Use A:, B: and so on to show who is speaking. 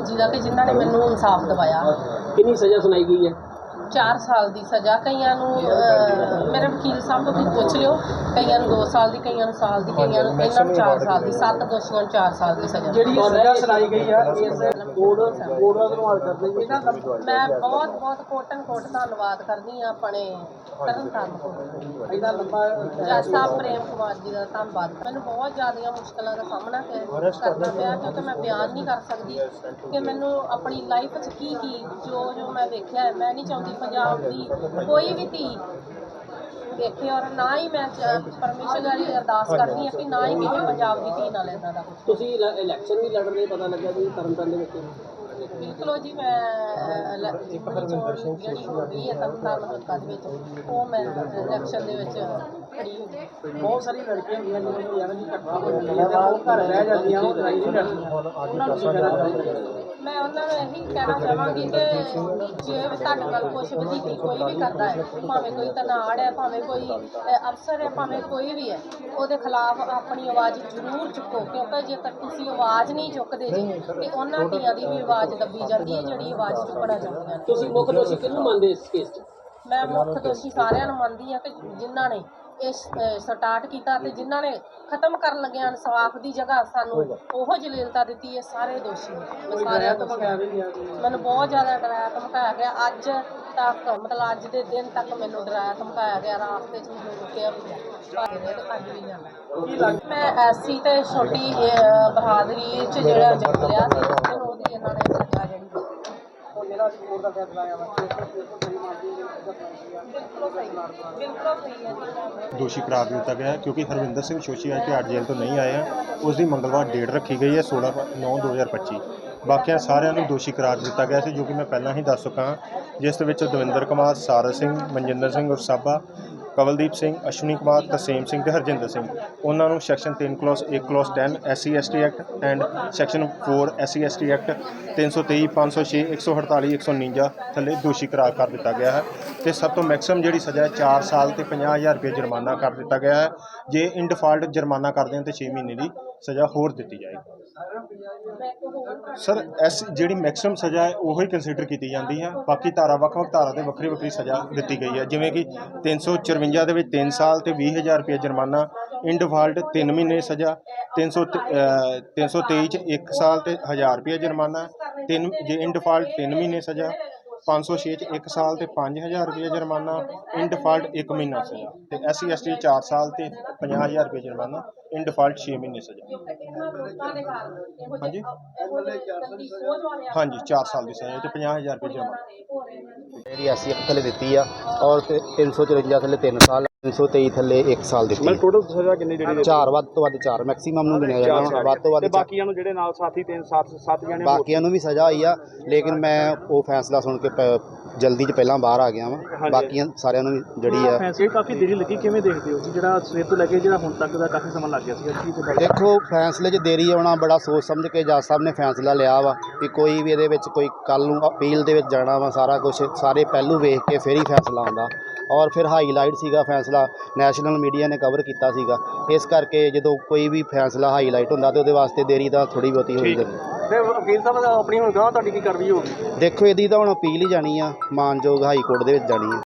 A: जी का कि जिन्होंने मैनू इंसाफ दवाया।
B: कितनी सज़ा सुनाई गई है?
A: 4 साल की सज़ा, कईयां नूं मेरे वकील साहब तो पुछ लियो, कईयां नूं 2 साल की, कईयां नूं साल की, कईयां नूं इन्हां नूं 4 साल की, 7 दोषियों नूं 4 साल की सज़ा।
B: ਜਿਹੜੀ ਸਜ਼ਾ ਸੁਣਾਈ ਗਈ ਹੈ ਇਸ ਕੋਡ ਦਾ ਧੰਨਵਾਦ ਕਰਦੇ ਜੀ।
A: मैं बहुत बहुत कोटन कोट धन्नवाद करनी हाँ अपने तरनताਰਨ कोट
B: ਇੰਨਾ ਲੰਬਾ
A: जज साहब प्रेम कुमार जी का धन्नवाद। मैंने बहुत ज़्यादा मुश्किलों का सामना करना पाया क्योंकि मैं बयान नहीं कर सकती कि मैनू अपनी लाइफ की जो मैं देखा है। मैं नहीं चाहती पंजाब की कोई भी धी देखे, और ना ही मैं परमेश्वर की अरदास करनी है कि ना ही किसी पंजाब की धी नाल इदां दा कुछ।
B: ਤੁਸੀਂ ਇਲੈਕਸ਼ਨ ਵੀ ਲੜ ਰਹੇ, ਪਤਾ ਲੱਗਾ ਜੀ ਤਰਨਤਾਰਨ ਦੇ ਵਿੱਚ।
A: बिल्कुल जी, मैं जी हो गई है तरनताਰਨ हल्का दे विच, वो मैं इलैक्शन दे विच खड़ी हो गई।
B: ਬਹੁਤ ਸਾਰੀ ਲੜਕੀਆਂ ਹੁੰਦੀਆਂ ਜਿਹਨਾਂ ਦੀ ਐਵੇਂ ਦੀ ਘਟਨਾ ਹੋ ਜਾਂਦੀ ਹੈ, ਉਹ ਘਰ ਰਹਿ ਜਾਂਦੀਆਂ, ਉਹ ਲੜਾਈ ਨਹੀਂ ਲੜਦੀਆਂ। ਉਹਨਾਂ ਨੂੰ ਕੀ ਕਹਿਣਾ ਚਾਹੁੰਦੇ?
A: मैं उन्होंने यही कहना चाहूँगी कि जे तुहाडे नाल कुछ वजीफी कोई भी करता है, भावें कोई तनाड़ है, भावें कोई अफसर है, भावें कोई भी है, ਉਹਦੇ खिलाफ अपनी आवाज़ जरूर चुको, क्योंकि जेकर तुसीं आवाज़ नहीं चुकते जी तो उन्हां धीआं दी भी आवाज़ दबी जाती है जिहड़ी आवाज़ चुकना चाहुंदियां ने।
B: ਤੁਸੀਂ ਮੁੱਖ ਦੋਸ਼ੀ ਕਿਹਨੂੰ ਮੰਨਦੇ ਇਸ ਕੇਸ 'ਚ?
A: मैं मुख दोषी सारिਆਂ ਨੂੰ ਮੰਨਦੀ ਹਾਂ कि जिन्हां ने इस स्टार्ट किया तो जिन्हां ने खत्म कर लगे इंसाफ की जगह सानू ओहो जलीलता दी है, सारे दोषी मैं सारे मैंने बहुत ज़्यादा डराया धमकाया गया। अज तक मतलब अज के दिन तक मैनू डराया धमकाया गया, रास्ते च मैनू रुकिया भी अज भी जाना। मैं ऐसी तो छोटी बहादरी च जो जन्म लिया मैनू ओहदी इन्हां ने सज़ा जिहड़ी
C: दोषी करार दिता गया है क्योंकि हरविंदर सिंह शोशी आज तिहाड़ जेल तो नहीं आए हैं। उसकी मंगलवार डेट रखी गई है 16/9/2025। बाकिया सारिਆਂ ਨੂੰ ਦੋਸ਼ੀ करार दिता गया है जो कि मैं पहला ही दस चुका हाँ, जिस दविंदर कुमार, सारस सिंह, मनजिंदर सिंह उर्फ साबा, कवलदीप सिंह, अश्विनी कुमार, तरसेम सिंह ते हरजिंदर सिंह, उन्होंने section 3 clause 1 clause 10 SC/ST act and section 4 SC/ST act 323, 506, 148, 149 थले दोषी करार कर दिता गया है। तो सब तो मैक्सिमम जी सज़ा है 4 साल तो 50,000 रुपये जुर्माना कर दिता गया है। जे इन डिफाल्ट जुर्माना कर दें तो 6 महीने की सज़ा होर दी जाएगी। सर इस जी मैक्सिमम सज़ा है वही कंसीडर की जाती है। बाकी धारा ਵੱਖ-ਵੱਖ धारा से ਵੱਖਰੀ ਵੱਖਰੀ सज़ा दी गई है, जिमें कि 354 के 3 साल तो 20,000 रुपये जुर्माना, इन डिफाल्ट 3 महीने सज़ा, 323 1 साल तो 1,000 रुपये जुर्माना, जे इन डिफाल्ट 3 महीने सज़ा, 506 1 साल तो 5,000 रुपये जुर्माना, इन डिफाल्ट 1 महीना सज़ा, तो SC/ST 4 साल तो 50,000 रुपये जुर्माना, इन डिफाल्ट 6 महीने सज़ा। हाँ जी, हाँ जी 4 साल की सज़ा तो 50,000 रुपये जुर्माना।
D: मेरी SC थले दी है और 354 थले 3 साल, 323 थले 1 साल दी।
E: मतलब टोटल सज़ा कितनी जी?
D: 4 ਵੱਧ ਤੋਂ ਵੱਧ 4 ਮੈਕਸਿਮਮ ਨੂੰ ਗਿਣਿਆ ਜਾਣਾ, ਵੱਧ ਤੋਂ ਵੱਧ
E: ਬਾਕੀਆਂ ਨੂੰ ਜਿਹੜੇ ਨਾਲ ਸਾਥੀ 3-7 ਜਣੇ
D: ਬਾਕੀਆਂ ਨੂੰ ਵੀ ਸਜ਼ਾ ਹੋਈ ਆ, ਲੇਕਿਨ ਮੈਂ ਉਹ ਫੈਸਲਾ ਸੁਣ ਕੇ ਜਲਦੀ 'ਚ ਪਹਿਲਾਂ ਬਾਹਰ ਆ ਗਿਆ ਵਾਂ। ਬਾਕੀਆਂ ਸਾਰਿਆਂ ਨੂੰ ਜਿਹੜੀ ਆ
E: ਫੈਸਲੇ ਕਾਫੀ ਦੇਰੀ ਲੱਗੀ, ਕਿਵੇਂ ਦੇਖਦੇ ਹੋ ਜਿਹੜਾ ਸਵੇਰ ਤੋਂ ਲੈ ਕੇ ਜਿਹੜਾ ਹੁਣ ਤੱਕ ਦਾ ਕਾਫੀ ਸਮਾਂ ਲੱਗ ਗਿਆ ਸੀ?
D: ਦੇਖੋ ਫੈਸਲੇ 'ਚ ਦੇਰੀ ਆਉਣਾ ਬੜਾ ਸੋਚ ਸਮਝ ਕੇ ਜੱਜ ਸਾਹਿਬ ਨੇ ਫੈਸਲਾ ਲਿਆ ਵਾ ਕਿ ਕੋਈ ਵੀ ਇਹਦੇ ਵਿੱਚ ਕੋਈ ਕੱਲ੍ਹ ਨੂੰ ਅਪੀਲ ਦੇ ਵਿੱਚ ਜਾਣਾ ਵਾ, ਸਾਰਾ ਕੁਝ ਸਾਰੇ ਪਹਿਲੂ ਵੇਖ ਕੇ ਫਿਰ ਹੀ ਫੈਸਲਾ ਆਉਂਦਾ। ਔਰ ਫਿਰ ਹਾਈਲਾਈਟ ਸੀਗਾ ਫੈਸਲਾ, ਨੈਸ਼ਨਲ ਮੀਡੀਆ ਨੇ ਕਵਰ ਕੀਤਾ ਸੀਗਾ, ਇਸ ਕਰਕੇ ਜਦੋਂ ਕੋਈ ਵੀ ਫੈਸਲਾ ਹਾਈਲਾਈਟ ਹੁੰਦਾ ਤਾਂ ਉਹਦੇ ਵਾਸਤੇ ਦੇਰੀ ਤਾਂ ਥੋੜ੍ਹੀ ਬਹੁਤੀ ਹੋਈ ਜਾਂਦੀ।
E: ਤੇ ਵਕੀਲ ਸਾਹਿਬ ਆਪਣੀ ਹੁਣ ਗਾਹ ਤੁਹਾਡੀ ਕੀ ਕਾਰਵਾਈ ਹੋਊਗੀ?
D: ਦੇਖੋ ਇਹਦੀ ਤਾਂ ਹੁਣ ਅਪੀਲ ਹੀ ਜਾਣੀ ਆ, ਮਾਨਯੋਗ ਹਾਈ ਕੋਰਟ ਦੇ ਵਿੱਚ ਜਾਣੀ ਆ।